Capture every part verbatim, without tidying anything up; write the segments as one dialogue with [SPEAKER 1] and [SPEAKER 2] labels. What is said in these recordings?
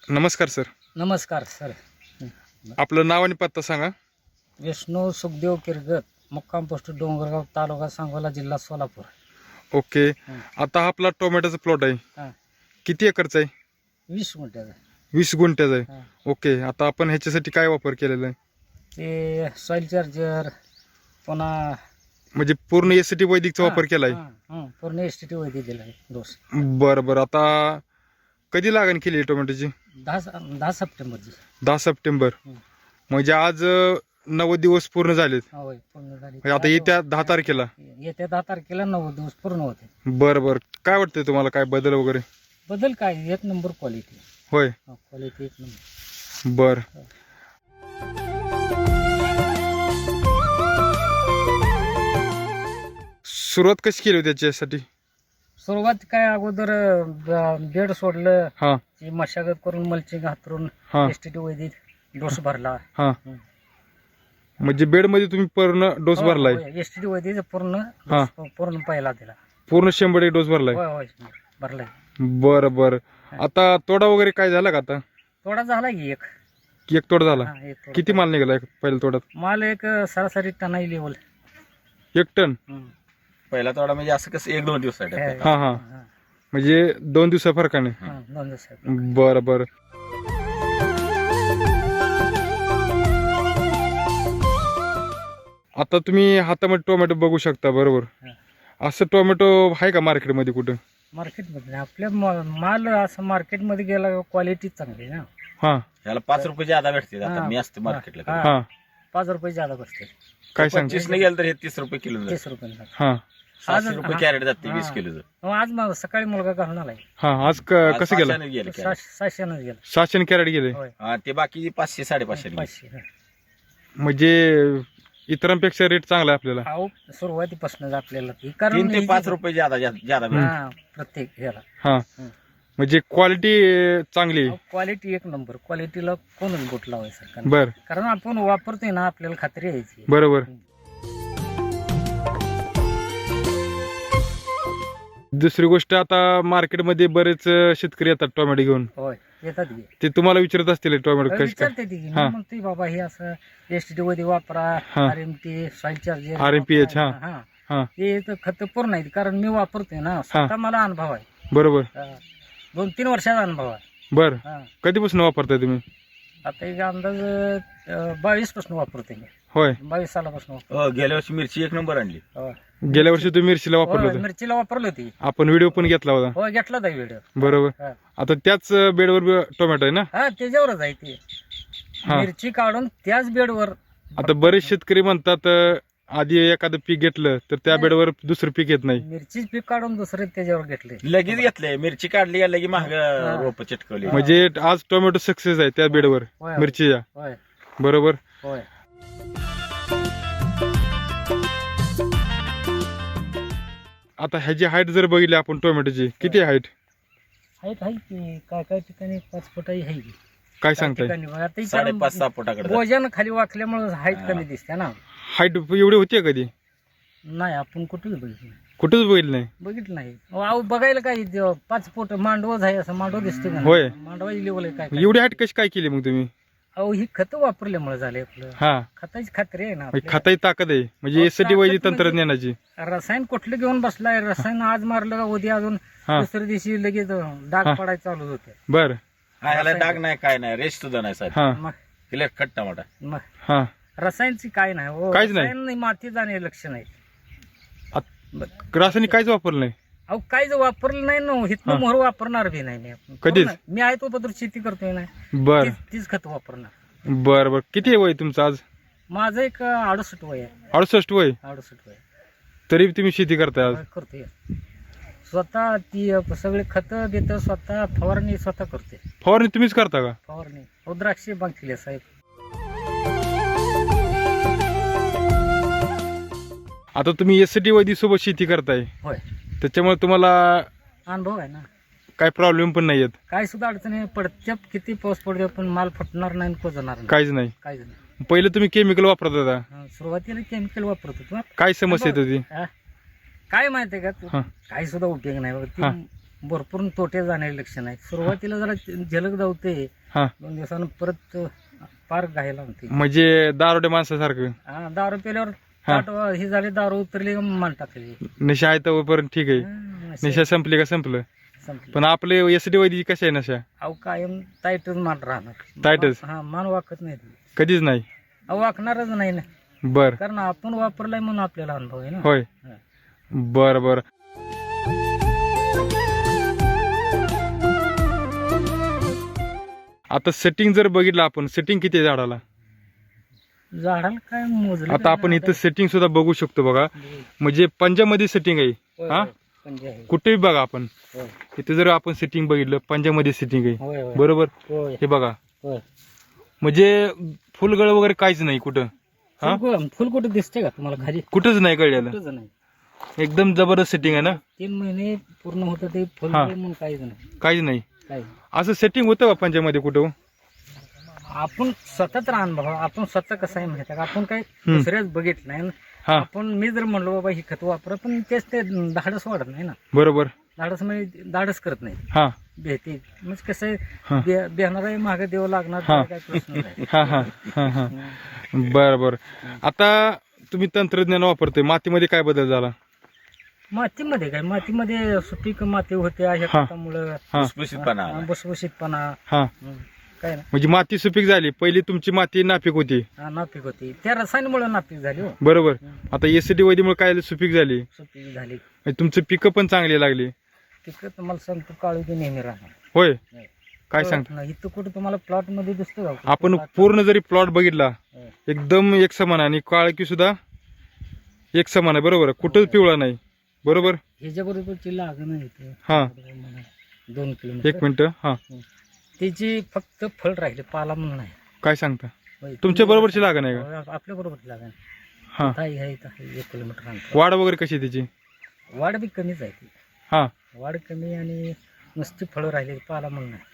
[SPEAKER 1] नमस्कार सर.
[SPEAKER 2] नमस्कार सर.
[SPEAKER 1] आपलं नाव आणि पत्ता सांगा.
[SPEAKER 2] विष्णू सुखदेव किरगत, मुक्काम पोस्ट डोंगरगाव, तालुका सांगोला, जिल्हा सोलापूर.
[SPEAKER 1] ओके.
[SPEAKER 2] हं.
[SPEAKER 1] आता हा आपला टोमॅटोचा प्लॉट आहे,
[SPEAKER 2] हां
[SPEAKER 1] किती एकरचा आहे?
[SPEAKER 2] वीस गुंठ्याचं.
[SPEAKER 1] वीस गुंठ्याचा आहे.
[SPEAKER 2] हां
[SPEAKER 1] ओके. आता आपण ह्याच्यासाठी काय वापर केलेला आहे?
[SPEAKER 2] ते सॉईल चार्जर, पुन्हा
[SPEAKER 1] म्हणजे पूर्ण एस टी वैदिकचा वापर केलाय?
[SPEAKER 2] हां, हां, पूर्ण एस टी टी वैदिक दिला आहे डोस.
[SPEAKER 1] बरं बरं. आता कधी लागण केली टोमॅटोची?
[SPEAKER 2] दहा दहा सप्टेंबरची.
[SPEAKER 1] दहा सप्टेंबर.
[SPEAKER 2] हं.
[SPEAKER 1] म्हणजे आज अं, नव्वद दिवस पूर्ण झालेत.
[SPEAKER 2] होय, पूर्ण झाली.
[SPEAKER 1] म्हणजे आता येत्या दहा तारखेला.
[SPEAKER 2] येत्या दहा तारखेला नव्वद दिवस पूर्ण होते.
[SPEAKER 1] बरं बरं. काय वाटतंय तुम्हाला, काय बदल वगैरे?
[SPEAKER 2] बदल काय, एक नंबर क्वालिटी.
[SPEAKER 1] होय.
[SPEAKER 2] क्वालिटी एक नंबर.
[SPEAKER 1] बर. सुरुवात कशी केली होती त्याच्यासाठी?
[SPEAKER 2] सुरुवात काय, अगोदर बेड सोडलं,
[SPEAKER 1] हा
[SPEAKER 2] ती मशागत करून मल्चिंग हातरून
[SPEAKER 1] हा
[SPEAKER 2] S T T Vaidik dose भरला.
[SPEAKER 1] हा.
[SPEAKER 2] हं.
[SPEAKER 1] म्हणजे बेड मध्ये तुम्ही पूर्ण डोस भरलाय?
[SPEAKER 2] एस टी टी वैदिक पूर्ण
[SPEAKER 1] हा.
[SPEAKER 2] डोस पूर्ण पहिला दिला.
[SPEAKER 1] पूर्ण शंभर एक डोस भरलाय?
[SPEAKER 2] होय होय भरलाय.
[SPEAKER 1] बर बर. आता तोडा वगैरे काय झाला का? आता
[SPEAKER 2] तोडा झाला की एक.
[SPEAKER 1] एक तोडा झाला?
[SPEAKER 2] हा, एक तोडा.
[SPEAKER 1] किती माल निघाला पहिल्या तोड्यात?
[SPEAKER 2] माल एक सरासरी टनाई लेवल.
[SPEAKER 1] एक टन?
[SPEAKER 3] पहिला तोडा म्हणजे असं कसं एक दोन दिवस
[SPEAKER 1] हा हा. म्हणजे दोन दिवसा फरकाने?
[SPEAKER 2] दोन दिवस.
[SPEAKER 1] बर बर. आता तुम्ही हातामध्ये टोमॅटो बघू शकता, बरोबर?
[SPEAKER 2] हा.
[SPEAKER 1] असं टोमॅटो आहे का मार्केटमध्ये कुठं?
[SPEAKER 2] मार्केटमध्ये आपल्या मा- माल असं मार्केटमध्ये गेला क्वालिटी चांगली ना.
[SPEAKER 1] हा
[SPEAKER 3] याला पाच रुपये ज्यादा भेटते. आता
[SPEAKER 2] हा.
[SPEAKER 3] मी असते मार्केटला
[SPEAKER 2] हा.
[SPEAKER 1] हा.
[SPEAKER 2] पाच रुपये ज्यादा बसते.
[SPEAKER 1] काय सांगते?
[SPEAKER 3] पंचवीस ने गेलं तर हे तीस रुपये किलो जातं.
[SPEAKER 2] तीस रुपये.
[SPEAKER 1] हा
[SPEAKER 3] सातशे
[SPEAKER 2] आज-
[SPEAKER 3] रुपये
[SPEAKER 2] हा.
[SPEAKER 3] कॅरेट जाते
[SPEAKER 2] हा.
[SPEAKER 3] वीस किलोचं.
[SPEAKER 2] मग आज मग सकाळी मुलगा घालून आलाय.
[SPEAKER 1] हा. आज क- कसं गेलं?
[SPEAKER 3] सहाशेने गेलं कॅरेट.
[SPEAKER 2] सहाशे- सहाशेनंच गेला.
[SPEAKER 1] सातशे कॅरेट गेले?
[SPEAKER 2] होय.
[SPEAKER 3] हा, ते बाकी पाचशे साडेपाचशे गेले.
[SPEAKER 2] पाचशे. हा.
[SPEAKER 1] म्हणजे इतरांपेक्षा रेट चांगला आहे आपल्याला?
[SPEAKER 2] अहो, सुरुवातीपासूनच आपल्याला ती
[SPEAKER 3] तीन
[SPEAKER 2] कारण
[SPEAKER 3] ते पाच रुपये ज्यादा ज्यादा भेटते.
[SPEAKER 2] हा, प्रत्येक ह्याला
[SPEAKER 1] हा.
[SPEAKER 2] हं.
[SPEAKER 1] म्हणजे क्वालिटी चांगली आहे?
[SPEAKER 2] क्वालिटी एक नंबर. क्वालिटीला कोणच बोट लावायचं.
[SPEAKER 1] बर.
[SPEAKER 2] कारण आपण वापरतोय ना, आपल्याला खात्री यायची.
[SPEAKER 1] बरोबर. दुसरी गोष्ट, आता मार्केटमध्ये बरेच शेतकरी येतात टोमॅटो घेऊन.
[SPEAKER 2] होय, येतात की.
[SPEAKER 1] ते तुम्हाला विचारत असतील टोमॅटो कशी काय?
[SPEAKER 2] विचारते ती की.
[SPEAKER 1] हा.
[SPEAKER 2] मग ती बाबा हे असं एस टी मध्ये वापरा,
[SPEAKER 1] हा.
[SPEAKER 2] R M T, soil charger,
[SPEAKER 1] R M P H, हा.
[SPEAKER 2] हा,
[SPEAKER 1] हा.
[SPEAKER 2] ते तर खत पूर्ण आहेत. कारण मी वापरतोय ना, स्वतः मला अनुभव आहे.
[SPEAKER 1] बरोबर.
[SPEAKER 2] हा. दोन तीन वर्षाचा अनुभव आहे.
[SPEAKER 1] बर.
[SPEAKER 2] हा.
[SPEAKER 1] कधीपासून वापरताय तुम्ही?
[SPEAKER 2] आता एक अंदाज बावीस पासून वापरतोय मी.
[SPEAKER 1] होय.
[SPEAKER 2] बावीस सालापासून वापरतो.
[SPEAKER 3] हो, गेल्या वर्षी मिरची एक नंबर आणली.
[SPEAKER 2] होय.
[SPEAKER 1] गेल्या वर्षी तुम्ही मिरचीला वापरलं
[SPEAKER 2] होय,
[SPEAKER 1] होतं?
[SPEAKER 2] मिरचीला वापरली होती.
[SPEAKER 1] आपण व्हिडिओ पण घेतला होता.
[SPEAKER 2] हो, घेतला होता व्हिडिओ.
[SPEAKER 1] बरोबर.
[SPEAKER 2] हा.
[SPEAKER 1] आता त्याच बेडवर टोमॅटो आहे ना?
[SPEAKER 2] हा, त्याच्यावरच आहे ते.
[SPEAKER 1] हा.
[SPEAKER 2] मिरची काढून त्याच बेडवर.
[SPEAKER 1] आता बरेच शेतकरी म्हणतात अं, आधी एखादं पीक घेतलं तर त्या बेडवर दुसरं पीक येत नाही.
[SPEAKER 2] मिरचीच पीक काढून दुसरे त्याच्यावर घेतले.
[SPEAKER 3] लगेच घेतले. मिरची काढली का लगेच महाग रोप चिटकवली.
[SPEAKER 1] म्हणजे आज टोमॅटो सक्सेस आहे त्या बेडवर
[SPEAKER 2] होय, होय.
[SPEAKER 1] मिरचीच्या.
[SPEAKER 2] होय
[SPEAKER 1] बरोबर.
[SPEAKER 2] होय.
[SPEAKER 1] आता ह्याची हाईट जर बघितली आपण टोमॅटोची, किती हाईट?
[SPEAKER 2] आहेत आहे की, काय काय ठिकाणी पाच फुटाही आहे की.
[SPEAKER 1] काय
[SPEAKER 2] काही
[SPEAKER 1] सांगताय?
[SPEAKER 2] ठिकाणी बघा, ते
[SPEAKER 3] साडेपाच सहा फुटाकडे
[SPEAKER 2] वजन खाली वाकल्यामुळे हाईट कमी दिसते ना.
[SPEAKER 1] हाईट एवढी होती कधी?
[SPEAKER 2] नाही, आपण कुठेच बघितलं नाही.
[SPEAKER 1] कुठेच बघितलं नाही.
[SPEAKER 2] बघितलं नाही. अहो, बघायला काय ते पाच फूट मांडवच आहे, असं मांडव दिसते का?
[SPEAKER 1] होय.
[SPEAKER 2] मांडवाची लेवल आहे काय काय.
[SPEAKER 1] एवढी हाईट कशी काय केली मग तुम्ही?
[SPEAKER 2] अहो, ही खत वापरल्यामुळे झाले आपलं.
[SPEAKER 1] हा.
[SPEAKER 2] खताची खात्री आहे ना
[SPEAKER 1] म्हणजे
[SPEAKER 2] आपल्याला.
[SPEAKER 1] खताची ताकद आहे म्हणजे
[SPEAKER 2] अहो,
[SPEAKER 1] एस टी
[SPEAKER 2] ताकद
[SPEAKER 1] वैदिक
[SPEAKER 2] म्हणजे-
[SPEAKER 1] तंत्रज्ञानाची.
[SPEAKER 2] रसायन कुठलं घेऊन बसलाय? रसायन आज मारलं का उद्या अजून
[SPEAKER 1] हा.
[SPEAKER 2] दुसऱ्या दिवशी लगेच डाग
[SPEAKER 1] हा.
[SPEAKER 2] पडायला चालू होते.
[SPEAKER 1] बर.
[SPEAKER 3] हा, याला डाग नाही काय नाही. रेस्ट सुद्धा नाही साहेब.
[SPEAKER 1] हा
[SPEAKER 2] मग
[SPEAKER 3] क्लिअर खट टमाटा.
[SPEAKER 2] मग
[SPEAKER 1] हा.
[SPEAKER 2] रसायनची काय नाही हो.
[SPEAKER 1] काहीच नाही.
[SPEAKER 2] रसायन नाही, माती जाणे लक्ष नाही.
[SPEAKER 1] रासायनिक काहीच वापरलं नाही?
[SPEAKER 2] अहो, काहीच वापरलं नाही ना.
[SPEAKER 1] हा.
[SPEAKER 2] हिथनं मोहर वापरणार बी नाही मी. आपण.
[SPEAKER 1] कधीच?
[SPEAKER 2] करू ना. मी आहे तो पत्र शेती करतोय ना.
[SPEAKER 1] बर
[SPEAKER 2] तीच- तीच खत वापरणार.
[SPEAKER 1] बर बर. किती वय तुमचं आज?
[SPEAKER 2] माझं एक अडुसष्ट वय आहे.
[SPEAKER 1] अडुसष्ट वय.
[SPEAKER 2] अडुसष्ट वय
[SPEAKER 1] तरी तुम्ही शेती करताय आज?
[SPEAKER 2] होय, करतोय. स्वतः ती सगळे खत देत, स्वतः फवारणी स्वतः करते.
[SPEAKER 1] फवारणी तुम्हीच करता का?
[SPEAKER 2] फवारणी हो, द्राक्षे बांधलेले साहेब.
[SPEAKER 1] आता तुम्ही एस टी वैदिक सोबत शेती करताय,
[SPEAKER 2] होय,
[SPEAKER 1] त्याच्यामुळे तुम्हाला
[SPEAKER 2] अनुभव आहे ना.
[SPEAKER 1] काय प्रॉब्लेम पण नाही येत?
[SPEAKER 2] काय सुद्धा अडचणी पडत्या, किती पाऊस पडतो पण माल फुटणार नाही, कोजणार नाही,
[SPEAKER 1] काहीच नाही.
[SPEAKER 2] काहीच नाही.
[SPEAKER 1] पहिले तुम्ही केमिकल वापरत होता,
[SPEAKER 2] हा, सुरुवातीला केमिकल वापरत होतो.
[SPEAKER 1] काय समस्या येत होती?
[SPEAKER 2] हा. काय माहितीये का तू,
[SPEAKER 1] हा.
[SPEAKER 2] काही सुद्धा उपयोग नाही बघ.
[SPEAKER 1] हा.
[SPEAKER 2] ती भरपूर तोटे जाण्याचे लक्षण आहे. सुरुवातीला जरा झलक जावते,
[SPEAKER 1] हा
[SPEAKER 2] दोन दिवसानं परत पार घायला म्हणते.
[SPEAKER 1] म्हणजे दारोडे माणसासारखं
[SPEAKER 2] हा, दारू पिल्यावर
[SPEAKER 1] हा.
[SPEAKER 2] ताट ही झाली, दारू उतरली का मान टाकली.
[SPEAKER 1] नशा आहे तोपर्यंत ठीक आहे,
[SPEAKER 2] हा, नशा
[SPEAKER 1] नशा संपली का संपलं.
[SPEAKER 2] संपली.
[SPEAKER 1] पण आपले एस डी वैद्य कशा आहे नशा?
[SPEAKER 2] अहो कायम टाईटच मान राहणार.
[SPEAKER 1] टाईटच?
[SPEAKER 2] हा, मान वाकत नाही ती.
[SPEAKER 1] कधीच नाही.
[SPEAKER 2] अहो वाकणारच नाही ना,
[SPEAKER 1] बर
[SPEAKER 2] कारण आपण वापरलाय म्हणून आपल्याला अनुभव आहे ना.
[SPEAKER 1] होय.
[SPEAKER 2] हा.
[SPEAKER 1] बर बर. आता सेटिंग जर बघितलं आपण, सेटिंग किती आहे झाडाला?
[SPEAKER 2] झाडाला काय मोजलं
[SPEAKER 1] आता आपण इथं सेटिंग सुद्धा बघू शकतो बघा, म्हणजे पंजामध्ये सेटिंग आहे.
[SPEAKER 2] होय,
[SPEAKER 1] हा
[SPEAKER 2] होय, पंजे आहे.
[SPEAKER 1] कुठेही बघा आपण,
[SPEAKER 2] होय,
[SPEAKER 1] इथे जर आपण सेटिंग बघितलं पंजामध्ये सेटिंग आहे.
[SPEAKER 2] होय, होय,
[SPEAKER 1] बरोबर.
[SPEAKER 2] होय,
[SPEAKER 1] हे बघा,
[SPEAKER 2] होय.
[SPEAKER 1] म्हणजे फुलगळ वगैरे काहीच नाही कुठं. हा
[SPEAKER 2] फुल फुल कुठं दिसते का तुम्हाला खाली?
[SPEAKER 1] कुठंच नाही कळलेलं.
[SPEAKER 2] कुठंच नाही.
[SPEAKER 1] एकदम जबरदस्त सेटिंग आहे ना.
[SPEAKER 2] तीन महिने पूर्ण होतं ते फुल
[SPEAKER 1] हा.
[SPEAKER 2] म्हणून काहीच नाही.
[SPEAKER 1] काहीच नाही.
[SPEAKER 2] काही
[SPEAKER 1] असं सेटिंग होतं का पंजामध्ये कुठं?
[SPEAKER 2] आपण स्वतःच राहण बघा, आपण स्वतः कसं आहे माहिती आहे का, आपण काही
[SPEAKER 1] हम्म.
[SPEAKER 2] दुसऱ्याच बघितलं नाही ना.
[SPEAKER 1] हा
[SPEAKER 2] आपण मी जर म्हणलो बाबा ही खत वापरा, पण तेच ते धाडस वाढत नाही ना.
[SPEAKER 1] बरोबर.
[SPEAKER 2] धाडस म्हणजे धाडस करत नाही,
[SPEAKER 1] हा
[SPEAKER 2] भेटे म्हणजे कसं
[SPEAKER 1] हा.
[SPEAKER 2] आहे, बेहणार मागे देव लागणार,
[SPEAKER 1] हा.
[SPEAKER 2] काय प्रश्न नाही.
[SPEAKER 1] हा हा हा हा बर बर. आता तुम्ही तंत्रज्ञान वापरतोय, मातीमध्ये काय बदल झाला?
[SPEAKER 2] मातीमध्ये काय, मातीमध्ये सुपीक माती होते अशा
[SPEAKER 1] हा.
[SPEAKER 2] खतामुळं,
[SPEAKER 1] हा
[SPEAKER 3] भुसभुशीतपणा आला.
[SPEAKER 2] बसबशीतपणा.
[SPEAKER 1] हा
[SPEAKER 2] हं, काय ना,
[SPEAKER 1] म्हणजे माती सुपीक झाली. पहिली तुमची माती नापीक होती.
[SPEAKER 2] हा, नापीक होती, त्या रसायनामुळे नापीक झाली हो.
[SPEAKER 1] बरोबर. आता एसीडी वैदीमुळे काय सुपीक झाली,
[SPEAKER 2] सुपीक झाली.
[SPEAKER 1] म्हणजे तुमची पिकं पण चांगली लागली.
[SPEAKER 2] तिकडे तुम्हाला सांगतो काळू की नेहमी राहणार.
[SPEAKER 1] होय.
[SPEAKER 2] नाही.
[SPEAKER 1] काय
[SPEAKER 2] हो,
[SPEAKER 1] सांगता?
[SPEAKER 2] नाही, इथं कुठं तुम्हाला प्लॉट मध्ये दिसतो का?
[SPEAKER 1] आपण
[SPEAKER 2] plot-
[SPEAKER 1] पूर्ण जरी प्लॉट बघितला
[SPEAKER 2] हो.
[SPEAKER 1] एकदम एक समान आणि काळकी सुद्धा एक समान आहे. बरोबर. कुठंच पिवळा नाही. बरोबर.
[SPEAKER 2] ह्याच्या बरोबरची लागण आहे इथे.
[SPEAKER 1] हा
[SPEAKER 2] दोन
[SPEAKER 1] एक
[SPEAKER 2] किलोमीटर
[SPEAKER 1] मिनिट. हा
[SPEAKER 2] त्याची फक्त फळ राहिले, पाला म्हणून नाही.
[SPEAKER 1] काय सांगता?
[SPEAKER 2] होय,
[SPEAKER 1] तुमच्या बरोबरची लागण आहे का?
[SPEAKER 2] हो, आपल्या बरोबरची लागण.
[SPEAKER 1] हा
[SPEAKER 2] ताई आहे इथं आहे, एक किलोमीटर अंतर.
[SPEAKER 1] वाढ वगैरे कशी आहे त्याची?
[SPEAKER 2] वाढ बी कमीच आहे ती.
[SPEAKER 1] हा
[SPEAKER 2] वाढ कमी आणि नुसती फळं राहिली, पाला म्हणून नाही.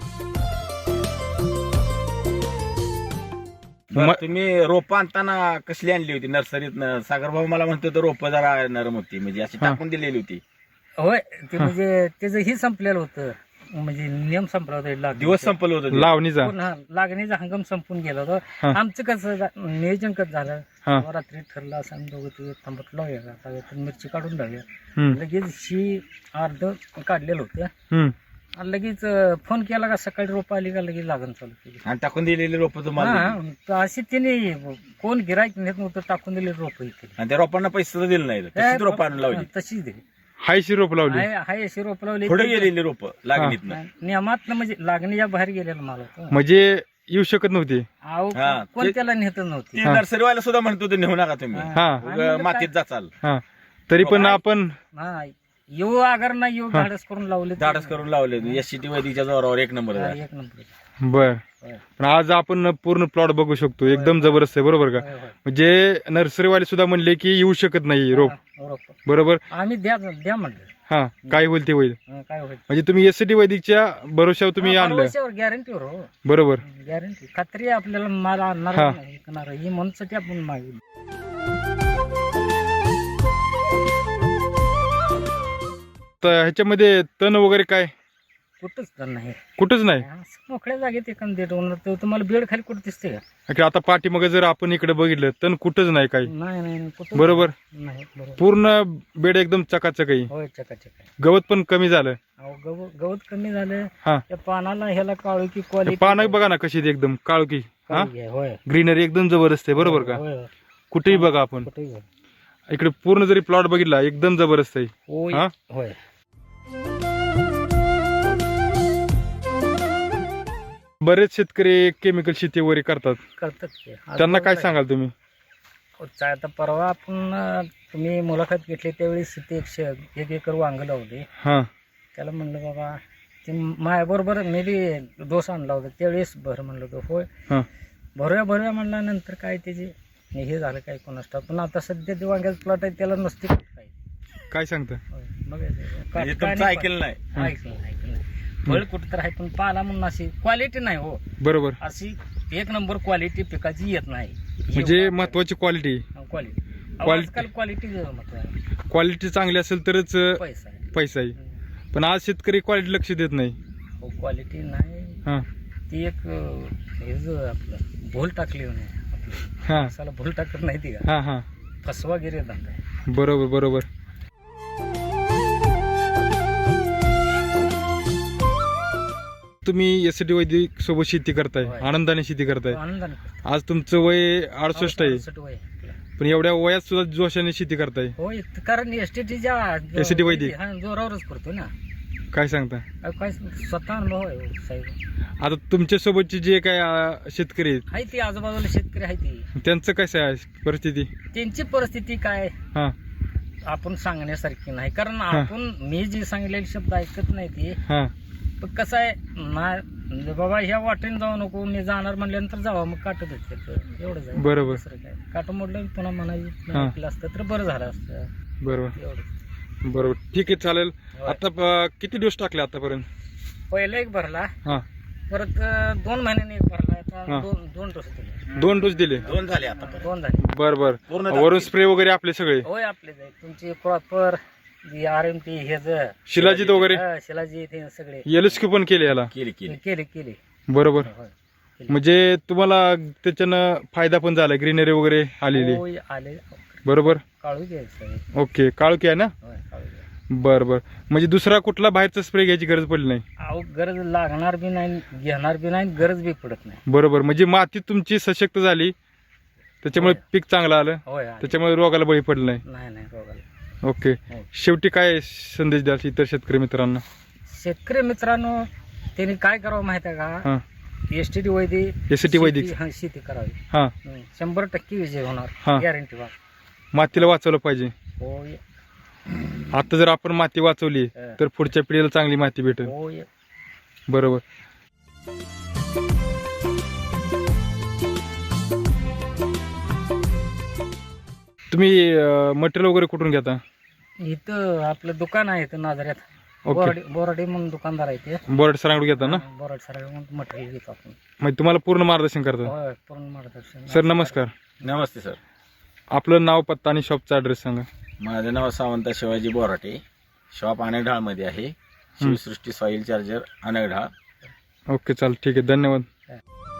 [SPEAKER 3] बरं,
[SPEAKER 1] म-
[SPEAKER 3] तुम्ही रोपं आणताना कसली आणली होती नर्सरीत? सागर भाऊ मला म्हणतो तर रोपं जरा नरम होती, म्हणजे अशी
[SPEAKER 1] हा.
[SPEAKER 3] टाकून दिलेली होती.
[SPEAKER 2] होय, ते म्हणजे त्याचं ही संपलेलं होतं, म्हणजे नियम संपला होता लागणीचा.
[SPEAKER 3] दिवस संपलं होतं ते.
[SPEAKER 1] लावणीचा.
[SPEAKER 2] पूर्ण, हा, लागणीचा हंगाम संपून गेला होता.
[SPEAKER 1] हा.
[SPEAKER 2] आमचं कसं झा- नियोजन कसं झालं,
[SPEAKER 1] हा
[SPEAKER 2] रात्री ठरलं असं आम्ही दोघं ते थांबत लावूया आता, तर मिरची काढून लावूया.
[SPEAKER 1] हम्म
[SPEAKER 2] लगेच ही अर्ध काढलेलं होतं
[SPEAKER 1] हम्म
[SPEAKER 2] आणि लगेच अं, फोन केला का सकाळी रोप आली का लगेच लागण चालू केली.
[SPEAKER 3] आणि टाकून दिलेली रोपं तुम्हाला दिली.
[SPEAKER 2] हा, तर अशी तिने कोण गिरायक नेत नव्हतं, टाकून दिले रोप केली.
[SPEAKER 3] आणि त्या रोपांना पैसे सुद्धा दिले नाही, तशीच रोपं आणून लावली.
[SPEAKER 2] तशीच दिली.
[SPEAKER 1] हायशी रोप लावली.
[SPEAKER 2] हाय हाय अशी रोप लावली.
[SPEAKER 3] पुढे गेलेली रोपं लागणीतनं.
[SPEAKER 2] नियमात म्हणजे लागणीच्या बाहेर गेलेला माल होता.
[SPEAKER 1] म्हणजे येऊ शकत नव्हती.
[SPEAKER 2] अहो,
[SPEAKER 3] हा,
[SPEAKER 2] कोण
[SPEAKER 3] ते-
[SPEAKER 2] त्याला नेत नव्हती.
[SPEAKER 3] ती नर्सरीवाला सुद्धा म्हणतो ते नेऊ नका तुम्ही,
[SPEAKER 2] हा.
[SPEAKER 1] हा
[SPEAKER 2] आम्ही
[SPEAKER 3] उगा
[SPEAKER 2] म्हणलं
[SPEAKER 3] मातीत
[SPEAKER 2] काय-
[SPEAKER 3] जाचाल.
[SPEAKER 1] हा तरी पण आपण
[SPEAKER 2] हा, येऊ आगर ना येऊ
[SPEAKER 1] हा.
[SPEAKER 2] धाडस करून लावले.
[SPEAKER 3] धाडस करून लावले. एस सी टी वैदिकच्या जोरावर एक नंबर
[SPEAKER 2] हा,
[SPEAKER 3] झाला.
[SPEAKER 2] एक नंबर.
[SPEAKER 1] बर.
[SPEAKER 2] होय.
[SPEAKER 1] पण आज आपण पूर्ण प्लॉट बघू शकतो, एकदम जबरदस्त आहे. बरोबर का?
[SPEAKER 2] होय, होय.
[SPEAKER 1] म्हणजे नर्सरीवाले सुद्धा म्हणले की येऊ शकत नाही रोप.
[SPEAKER 2] हा, रोप.
[SPEAKER 1] बरोबर.
[SPEAKER 2] आम्ही द्या द्या म्हणलं.
[SPEAKER 1] हा काय होईल ते होईल.
[SPEAKER 2] हा, काय होईल
[SPEAKER 1] म्हणजे तुम्ही एसटी वैदिकच्या भरोशावर तुम्ही आणलं.
[SPEAKER 2] गॅरंटीवर हो,
[SPEAKER 1] बरोबर.
[SPEAKER 2] गॅरंटी खात्री आहे आपल्याला माल आणणार
[SPEAKER 1] हा.
[SPEAKER 2] नाही, विकणार ही म्हणूनसाठी आपण मागितलं.
[SPEAKER 1] तर ह्याच्यामध्ये तण वगैरे काय
[SPEAKER 2] कुठंच तर नाही.
[SPEAKER 1] कुठंच नाही.
[SPEAKER 2] असं मोकळ्या जागेत एखादं देत होणार तर तुम्हाला बेड खाली कुठं दिसते का?
[SPEAKER 1] की आता पाठीमागे जर आपण इकडे बघितलं तण कुठंच नाही काही.
[SPEAKER 2] नाही नाही नाही, कुठं
[SPEAKER 1] बरोबर.
[SPEAKER 2] नाही. बरोबर.
[SPEAKER 1] पूर्ण बेड एकदम चकाचक आहे.
[SPEAKER 2] होय, चकाचक आहे.
[SPEAKER 1] गवत पण कमी झालं.
[SPEAKER 2] अहो, गव- गवत कमी झालं.
[SPEAKER 1] हा
[SPEAKER 2] त्या पानाला ह्याला काळू की
[SPEAKER 1] ते
[SPEAKER 2] क्वालिटी
[SPEAKER 1] पानं बघा ना कशी आहेत, एकदम काळकी. हा
[SPEAKER 2] होय.
[SPEAKER 1] ग्रीनरी एकदम जबरदस्त आहे. बरोबर का?
[SPEAKER 2] होय, होय.
[SPEAKER 1] कुठेही बघा आपण
[SPEAKER 2] कुठेही होय.
[SPEAKER 1] इकडे पूर्ण जरी प्लॉट बघितला एकदम जबरदस्त आहे.
[SPEAKER 2] होय.
[SPEAKER 1] हा?
[SPEAKER 2] होय.
[SPEAKER 1] बरेच शेतकरी केमिकल शेती वगैरे करतात,
[SPEAKER 2] करतात ते. आज
[SPEAKER 1] त्यांना काय
[SPEAKER 2] बरोबर
[SPEAKER 1] सांगाल तुम्ही?
[SPEAKER 2] आहे. चा- आता परवा आपण अं, तुम्ही मुलाखत घेतली त्यावेळी ते एकशे एक एकर वांग लावले.
[SPEAKER 1] हा
[SPEAKER 2] त्याला म्हणलं बाबा ते माझ्याबरोबर मी बी डोस आणला होता त्यावेळेस भर म्हणलं होतं. होय,
[SPEAKER 1] हा
[SPEAKER 2] भरूया भरूया म्हणल्यानंतर काय त्याचे हे झालं काय कोणास ठाऊक. पण आता सध्या ते वांग्याचं प्लॉट आहे त्याला नसते काय.
[SPEAKER 1] काय सांगता?
[SPEAKER 2] होय, बघायचं. का-
[SPEAKER 3] म्हणजे
[SPEAKER 2] काय
[SPEAKER 3] तुमचं
[SPEAKER 2] नाही
[SPEAKER 3] ऐकलं नाही.
[SPEAKER 2] पण- ऐकलं नाही, ऐकलं नाही. फळ कुठं तर आहे पण पाला म्हणून अशी क्वालिटी नाही हो.
[SPEAKER 1] बरोबर.
[SPEAKER 2] अशी एक नंबर क्वालिटी पिकाची येत नाही.
[SPEAKER 1] म्हणजे महत्वाची क्वालिटी.
[SPEAKER 2] Quality
[SPEAKER 1] Quality.
[SPEAKER 2] आजकाल क्वालिटी महत्व आहे.
[SPEAKER 1] क्वालिटी चांगली असेल तरच अं,
[SPEAKER 2] पैसा आहे.
[SPEAKER 1] पैसा आहे. पण आज शेतकरी क्वालिटी लक्ष देत नाही.
[SPEAKER 2] हो, क्वालिटी नाही.
[SPEAKER 1] हा
[SPEAKER 2] ती एक अं, हे जो आपलं भूल टाकली म्हणे आपलं
[SPEAKER 1] हा
[SPEAKER 2] माणसाला भूल टाकत नाही ती का
[SPEAKER 1] हा हा
[SPEAKER 2] फसवागिरी धंदा आहे.
[SPEAKER 1] बरोबर बरोबर. तुम्ही एस टी वैदिक सोबत शेती करताय,
[SPEAKER 2] होय.
[SPEAKER 1] आनंदाने शेती करताय.
[SPEAKER 2] आनंदाने करतो.
[SPEAKER 1] आज तुमचं वय अडुसष्ट आहे,
[SPEAKER 2] अडुसष्ट वय आहे आपलं.
[SPEAKER 1] पण एवढ्या वयात सुद्धा जोशाने शेती करताय.
[SPEAKER 2] होय कारण एस टी टीच्या
[SPEAKER 1] एस टी वैदिक.
[SPEAKER 2] जोरावरच करतो ना.
[SPEAKER 1] काय सांगता?
[SPEAKER 2] अहो, काय स्वतः अनुभव आहे हो, साहेब.
[SPEAKER 1] आता तुमच्या सोबतचे जे काय अं, शेतकरी आहेत,
[SPEAKER 2] आहे ती आजूबाजूला शेतकरी आहे ती
[SPEAKER 1] त्यांचं कसं आहे परिस्थिती?
[SPEAKER 2] त्यांची परिस्थिती काय
[SPEAKER 1] हा
[SPEAKER 2] आपण सांगण्यासारखी नाही कारण आपण मी जी सांगितलेले शब्द ऐकत नाही ती.
[SPEAKER 1] हा
[SPEAKER 2] पण कसं आहे ना बाबा ह्या वाटेने जाऊ नको मी जाणार म्हणल्यानंतर जावा मग काटत होते एवढंच आहे.
[SPEAKER 1] बरोबर.
[SPEAKER 2] दुसरं काय काट मोडलं पुन्हा म्हणायचं
[SPEAKER 1] हा.
[SPEAKER 2] ऐकलं असतं तर बरं झालं असतं
[SPEAKER 1] बरोबर
[SPEAKER 2] एवढं.
[SPEAKER 1] बरोबर ठीक आहे चालेल.
[SPEAKER 2] होय.
[SPEAKER 1] आता अं, किती डोस टाकले आतापर्यंत?
[SPEAKER 2] पहिला एक भरला
[SPEAKER 1] हा
[SPEAKER 2] परत अं, दोन महिन्यांनी एक भरला आता
[SPEAKER 1] हा.
[SPEAKER 2] दोन दोन डोस दिले
[SPEAKER 1] दोन डोस दिले.
[SPEAKER 3] दोन झाले आता
[SPEAKER 2] दोन झाले.
[SPEAKER 1] बर बर.
[SPEAKER 3] पूर्ण
[SPEAKER 1] वरून स्प्रे वगैरे आपले सगळे
[SPEAKER 2] होय आपले जाईल तुमची प्रॉपर आर एम टी हे ज
[SPEAKER 1] शिलाजीत वगैरे
[SPEAKER 2] हा, शिलाजी ते सगळे
[SPEAKER 1] एलएसक्यू पण केले याला.
[SPEAKER 3] केली केली
[SPEAKER 2] केले केले
[SPEAKER 1] बरोबर.
[SPEAKER 2] होय.
[SPEAKER 1] म्हणजे तुम्हाला त्याच्यानं फायदा पण झाला, ग्रीनरी वगैरे आलेली.
[SPEAKER 2] होय, आले
[SPEAKER 1] बरोबर.
[SPEAKER 2] काळू घ्यायचं
[SPEAKER 1] ओके काळकी आहे ना.
[SPEAKER 2] होय काळू घ्यायचं.
[SPEAKER 1] बर बर. म्हणजे दुसरा कुठला बाहेरचा स्प्रे घ्यायची गरज पडली नाही.
[SPEAKER 2] अहो गरज लागणार बी नाही घेणार बी नाही गरज बी पडत नाही.
[SPEAKER 1] बरोबर. म्हणजे माती तुमची सशक्त झाली, त्याच्यामुळे
[SPEAKER 2] होय.
[SPEAKER 1] पीक चांगलं आलं,
[SPEAKER 2] होय आले.
[SPEAKER 1] त्याच्यामुळे रोगाला बळी पडलं नाही.
[SPEAKER 2] नाही नाही रोगाला.
[SPEAKER 1] ओके.
[SPEAKER 2] हो.
[SPEAKER 1] शेवटी काय संदेश द्याल इतर शेतकरी मित्रांना?
[SPEAKER 2] शेतकरी मित्रांनो त्यांनी काय करावं माहिती आहे का
[SPEAKER 1] हा
[SPEAKER 2] S T T Vaidik
[SPEAKER 1] S T Vaidik.
[SPEAKER 2] शेती- हा, शेती करावी.
[SPEAKER 1] हा
[SPEAKER 2] हं, शंभर टक्के विजय होणार
[SPEAKER 1] हा.
[SPEAKER 2] गॅरंटी वा.
[SPEAKER 1] मातीला वाचवलं पाहिजे.
[SPEAKER 2] होय
[SPEAKER 1] आता जर आपण माती वाचवली
[SPEAKER 2] हा.
[SPEAKER 1] तर पुढच्या पिढीला चांगली माती भेटेल.
[SPEAKER 2] होय.
[SPEAKER 1] बरोबर. तुम्ही मटेरियल वगैरे कुठून घेता?
[SPEAKER 2] इथं आपलं दुकान आहे इथं नाजऱ्यात.
[SPEAKER 1] ओके.
[SPEAKER 2] बोराडी बोराडी म्हणून दुकानदार आहे ते.
[SPEAKER 1] बोर्ड सरांकडून घेता ना.
[SPEAKER 2] बोराड सर मटेरियल घेतो आपण.
[SPEAKER 1] म्हणजे तुम्हाला पूर्ण मार्गदर्शन करतात.
[SPEAKER 2] होय पूर्ण मार्गदर्शन.
[SPEAKER 1] सर नमस्कार.
[SPEAKER 3] नमस्ते सर.
[SPEAKER 1] आपलं नाव, पत्ता आणि शॉपचा ऍड्रेस सांगा.
[SPEAKER 3] माझं नाव सावंत शिवाजी बोराटे. शॉप अनगढाळ मध्ये आहे. Shivsrushti soil charger Angadhal.
[SPEAKER 1] Okay चालेल ठीक आहे धन्यवाद.
[SPEAKER 2] हा.